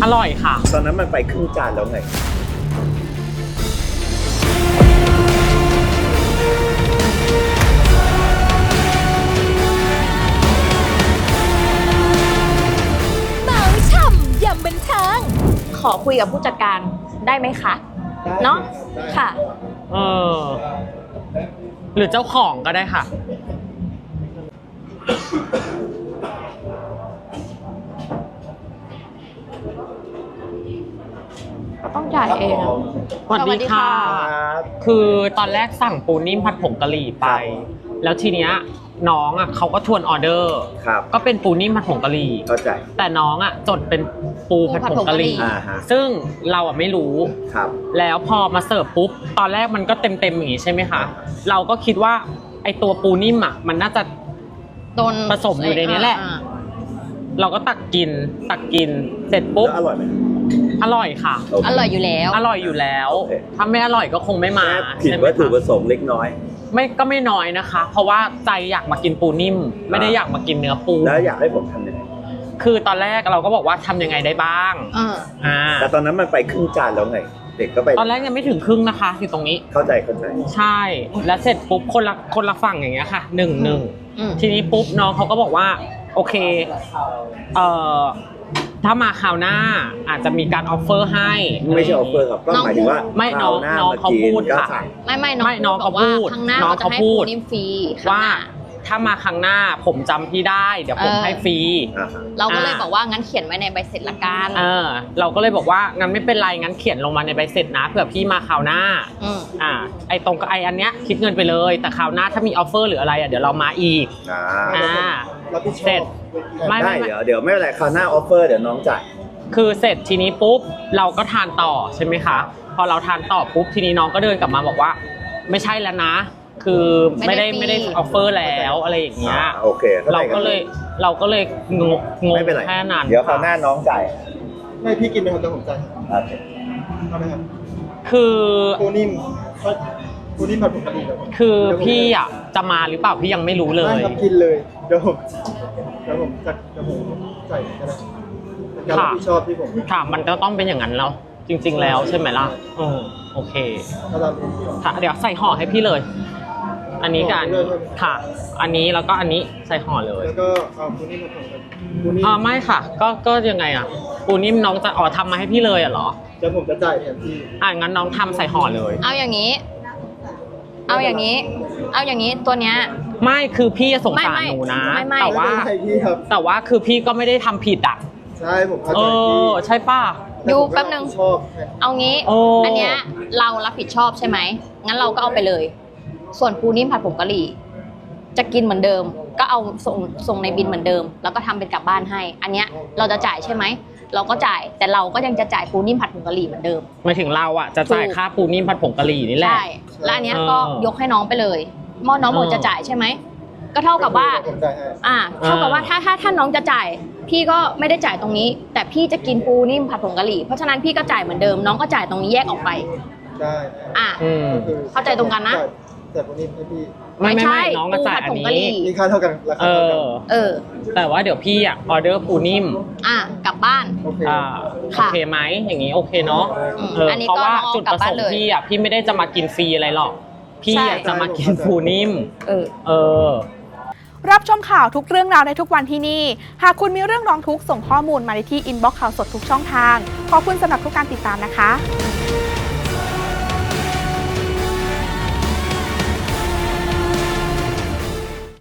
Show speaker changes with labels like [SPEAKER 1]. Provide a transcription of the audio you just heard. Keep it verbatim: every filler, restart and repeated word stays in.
[SPEAKER 1] อร่อยค่ะ
[SPEAKER 2] ตอนนั้นมันไปครึ่งจานแล้วไง
[SPEAKER 3] เมาช่ำยำบันเทิงขอคุยกับผู้จัดการได้ไหมคะเนาะค่ะ
[SPEAKER 1] เออหรือเจ้าของก็ได้ค่ะ
[SPEAKER 3] ต้องจ่ายเอง
[SPEAKER 1] สวัสดีค่ะคือตอนแรกสั่งปูนิ่มผัดผงกะหรี่ไปแล้วทีเนี้ยน้องอ่ะเขาก็ทวนออเดอร์ก็เป็นปูนิ่มผัดผงกะหรี่
[SPEAKER 2] เข้าใจ
[SPEAKER 1] แต่น้องอ่ะจดเป็นปูผัดผงกะหรี่ซึ่งเราอ่ะไม่รู้แล้วพอมาเสิร์ฟปุ๊บตอนแรกมันก็เต็มเต็มอย่างงี้ใช่ไหมคะเราก็คิดว่าไอตัวปูนิ่มอ่ะมันน่าจะ
[SPEAKER 3] โดน
[SPEAKER 1] ผสมอยู่ในนี้แหละเราก็ตักกินตักกินเสร็จปุ๊บ
[SPEAKER 2] อร่อยไหม
[SPEAKER 1] อร่อยค่ะ
[SPEAKER 3] อร่อยอยู่แล้ว
[SPEAKER 1] อร่อยอยู่แล้วถ้าไม่อร่อยก็คงไม่มา
[SPEAKER 2] ผิดวัตถุประสงค์เล็กน้อย
[SPEAKER 1] ไม่ก็ไม่น้อยนะคะเพราะว่าใจอยากมากินปูนิ่มไม่ได้อยากมากินเนื้อปู
[SPEAKER 2] แล้วอยากให้ผมทำยังไง
[SPEAKER 1] คือตอนแรกเราก็บอกว่าทำยังไงได้บ้าง
[SPEAKER 2] อ่าแต่ตอนนั้นมันไปครึ่งจานแล้วไงเด็กก็ไป
[SPEAKER 1] ตอนแรกยังไม่ถึงครึ่งนะคะอยู่ตรงนี้
[SPEAKER 2] เข้าใจเข้าใจ
[SPEAKER 1] ใช่แล้วเสร็จปุ๊บคนละคนละฝั่งอย่างเงี้ยค่ะหนึ่งหนึ่งทีนี้ปุ๊บน้องเขาก็บอกว่าโอเคเอ่อถ้ามาคราวหน้าอาจจะมีการออฟเฟอร์ให้
[SPEAKER 2] ไม่ใช่ออฟเฟอร์ครับก็หมายถึงว่า
[SPEAKER 1] ไม่น้องน้องเขาพูดค่ะ
[SPEAKER 3] ไม่ไม่น้อง
[SPEAKER 1] น้องเขาพูด
[SPEAKER 3] น้องเขาพูด
[SPEAKER 1] ว่าถ้ามาครั้งหน้าผมจำพี่ได้เดี๋ยวผมให้ฟรี
[SPEAKER 3] เราก็เลยบอกว่างั้นเขียนไว้ในใบเสร็จละกัน
[SPEAKER 1] เออเราก็เลยบอกว่างั้นไม่เป็นไรงั้นเขียนลงมาในใบเสร็จนะเผื่อพี่มาคราวหน้าอ่าไอตรงกับไออันเนี้ยคิดเงินไปเลยแต่คราวหน้าถ้ามีออฟเฟอร์หรืออะไรอ่ะเดี๋ยวเรามาอีกอ่าเสร็จ
[SPEAKER 2] ไม่ไม่เดี๋ยวเดี๋ยวไม่เป็นไรคราวหน้าออฟเฟอร์เดี๋ยวน้องจ่าย
[SPEAKER 1] คือเสร็จทีนี้ปุ๊บเราก็ทานต่อใช่ไหมคะพอเราทานต่อปุ๊บทีนี้น้องก็เดินกลับมาบอกว่าไม่ใช่แล้วนะคือไม่ได้ไม่ได้ออฟเฟอร์แล้วอะไรอย่างเงี้ย
[SPEAKER 2] โอเค
[SPEAKER 1] เราก็เลยเราก็เลยงงงงแค่นั้น
[SPEAKER 2] เดี๋ยวคราวหน้าน้องจ่าย
[SPEAKER 4] ไม่พี่กินไหมครับเดี๋ยวผมจ่าย
[SPEAKER 2] โอเค
[SPEAKER 4] เอาไหมครับ
[SPEAKER 1] คือ
[SPEAKER 4] ปูนิ่มปูนิ่มผัดผงกะหรี่
[SPEAKER 1] คือพี่อ่ะจะมาหรือเปล่าพี่ยังไม่รู้เลย
[SPEAKER 4] ไม่ครับกินเลยเดี๋ยวผมเดี๋ยวผมจัดเดี๋ยวผมจ่ายก็ได้ค่ะที่ชอบที่ผม
[SPEAKER 1] ค่ะมันก็ต้องเป็นอย่างนั้นแล้วจริงๆแล้วใช่ไหมล่ะเออโอเคค่ะเดี๋ยวใส่ห่อให้พี่เลยอันนี้กันค่ะอันนี้แล้วก็อันนี้ใส่ห่อเลย
[SPEAKER 4] แล้วก็เอาปูนิ่มมาผสมกันปูนิ่ม
[SPEAKER 1] อ่าไม่ค่ะก็ก็ยังไงอ่ะปูนิ่มน้องจะอ๋อทำมาให้พี่เลยอ่ะเหรอ
[SPEAKER 4] เดี๋ยวผมจะจ่ายแทนพี่
[SPEAKER 1] อ่างั้นน้องทำใส่ห่อเลย
[SPEAKER 3] เอาอย่างนี้เอาอย่างนี้เอาอย่างนี้ตัวเนี้ย
[SPEAKER 1] ไม่คือพี่สงสารหนูนะแต่ว่าแต่ว่าคือพี่ก็ไม่ได้ทำผิดอ่ะ
[SPEAKER 4] ใช่ผมเข้าใจ
[SPEAKER 1] เออใช่ป่ะ
[SPEAKER 3] ดูแป๊บนึงเอางี้อันเนี้ยเรารับผิดชอบใช่ไหมงั้นเราก็เอาไปเลยส่วนปูนิ่มผัดผงกะหรี่จะกินเหมือนเดิมก็เอาส่งส่งในบินเหมือนเดิมแล้วก็ทำเป็นกลับบ้านให้อันเนี้ยเราจะจ่ายใช่ไหมเราก็จ่ายแต่เราก็ยังจะจ่ายปูนิ่มผัดผงกะหรี่เหมือนเดิม
[SPEAKER 1] หมายถึงเราอ่ะจะจ่ายค่าปูนิ่มผัดผงกะหรี่นี่แหละ
[SPEAKER 3] ใช่แล้วอันเนี้ยก็ยกให้น้องไปเลยมอน้องหมดจะจ่ายใช่ไหมก็เท่ากับว่าอ่าเท่ากับว่าถ้าถ้าถ้าน้องจะจ่ายพี่ก็ไม่ได้จ่ายตรงนี้แต่พี่จะกินปูนิ่มผัดผงกะหรี่เพราะฉะนั้นพี่ก็จ่ายเหมือนเดิมน้องก็จ่ายตรงนี้แยกออกไป
[SPEAKER 4] ได้
[SPEAKER 3] อ่าเข้าใจตรงกันนะ
[SPEAKER 4] แต่ปูนิ่มให้พี่
[SPEAKER 1] ไม่ไม่ไม่น้องก็จ่ายอันนี้
[SPEAKER 4] มีค่าเท่ากันราคาเท่ากัน
[SPEAKER 1] เออแต่ว่าเดี๋ยวพี่อ่ะออเดอร์ปูนิ่ม
[SPEAKER 3] อ่ะกลับบ้าน
[SPEAKER 1] อ่าโอเคไหมอย่างนี้โอเคเนาะเออเพราะว่าจุดประสงค์พี่อ่ะพี่ไม่ได้จะมากินฟรีอะไรหรอกพี่อยากจะมากินปูนิ่มเออเออ
[SPEAKER 5] รับชมข่าวทุกเรื่องราวได้ทุกวันที่นี่หากคุณมีเรื่องร้องทุกข์ส่งข้อมูลมาในที่อินบ็อกซ์ข่าวสดทุกช่องทางขอบคุณสำหรับทุกการติดตามนะคะ